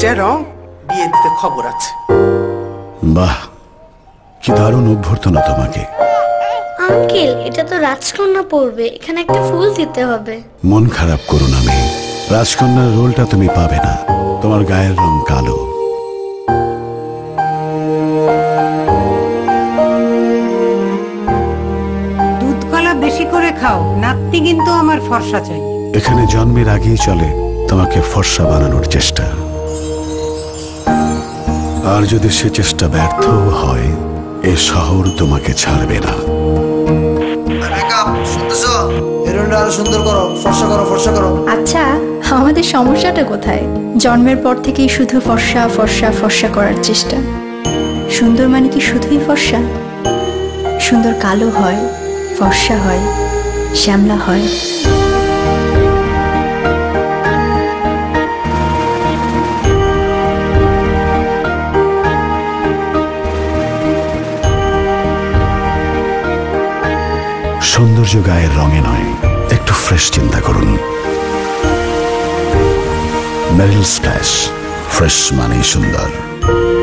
এইটা রং, বিয়ে দিতে খবর আছে। বাহ, কি দারুণ অভ্যর্থনা তোমাকে। আঙ্কেল, এটা তো রাজকন্যা পড়বে, এখানে একটা ফুল দিতে হবে। মন খারাপ করো না মেয়ে, রাজকন্যার রোলটা তুমি পাবে না, তোমার গায়ের রং কালো। দুধ কলা বেশি করে খাও, নাতনি কিন্তু আমার ফর্সা চাই। এখানে জন্মের আগেই চলে তোমাকে ফর্সা বানানোর চেষ্টা, আর যদি সে চেষ্টা ব্যর্থ হয় এ শহর তোমাকে ছাড়বে না। সুন্দর করো, ফর্সা করো, ফর্সা করো। আচ্ছা, আমাদের সমস্যাটা কোথায়? জন্মের পর থেকেই শুধু ফর্সা ফর্সা ফর্সা করার চেষ্টা। সুন্দর মানে কি শুধুই ফর্সা? সুন্দর কালো হয়, ফর্সা হয়, শ্যামলা হয়। সৌন্দর্য গায়ের রঙে নয়, একটু ফ্রেশ চিন্তা করুন। মেরিল স্প্ল্যাশ, ফ্রেশ মানেই সুন্দর।